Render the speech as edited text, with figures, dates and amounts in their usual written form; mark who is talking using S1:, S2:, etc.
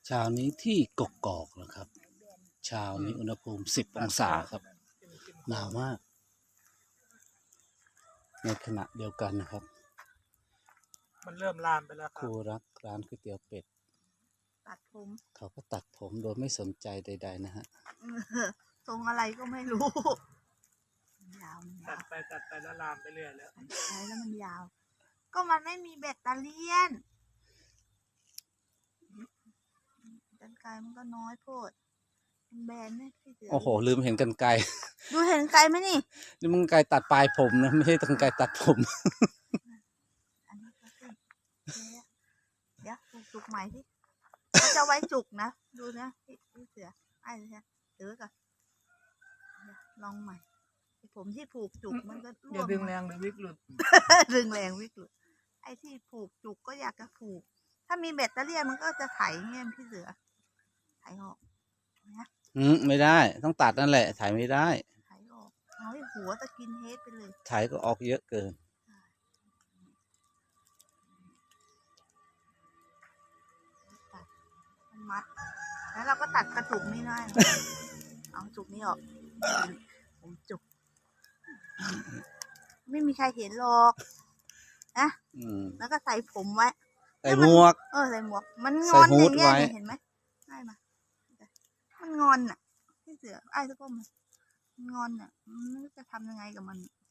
S1: เช้านี้ที่กกอกนะครับเช้านี้อุณหภูมิ10 องศาครับหนาวมากในขณะเดียวกันนะครับ
S2: มันเริ่มลามไปแล้วค
S1: ครับ รูรักร้านก๋วยเตี๋ยวเป็ด
S3: ตัดผม
S1: เขาก็ตัดผมโดยไม่สนใจใดๆนะฮะ
S3: ทรงอะไรก็ไม่รู้ยาวมัน
S2: ตั
S3: ยา
S2: ด
S3: ว
S2: ไปตัดไปแล้วลามไปเรื่อยแล้ว
S3: ใช้แล้วมันยาว ก็มันไม่มีแบตเตอรี่กันไกลมันก็น้อยโพดมันแบนเนี่ยพี่เสือ
S1: โอ้โหลืมเห็นกรรไกร
S3: ดูเห็นไกลไหมนี่
S1: นี่มันกรรไกรตัดปลายผมนะไม่ใช่กรรไกรตัดผม
S3: อันนี้ก็ขึ้นเดี๋ยวจุกใหม่ที่เขาจะไว้จุกนะดูนะพี่เสือไอ้เลยเสือก่อนลองใหม่ผมที่ผูกจุกมันก็ร่วง
S2: อย่าดึงแรงเดี๋ยววิกหลุด
S3: ดึงแรงวิกฤตไอ้ที่ผูกจุกก็อยากจะผูกถ้ามีแบตเตอรี่มันก็จะไถเงี้ยพี่เสือไถออกนะ
S1: ไม่ได้ต้องตัดนั่นแหละถ่ายไม่ได้
S3: ไถออกเอาให้หัวตะกินเฮดไปเลย
S1: ถ่ายก็ออกเยอะเกิน
S3: ตัดมันมัดแล้วเราก็ตัดกระจุกนี่ได้นะเอาจุกนี้ออกผมจุกไม่มีใครเห็นหรอกนะ แล้วก็ใส่ผมไว้
S1: ใส่หมวก
S3: ใส่หมวกมันงอนอย่างเงี้ย
S1: ใส่ฮู้ดไว้
S3: เห็นไหมได้มามันงอนอ่ะพี่เสือไอ้ทุกคนมันงอนอ่ะมันไม่รู้จะทำยังไงกับมัน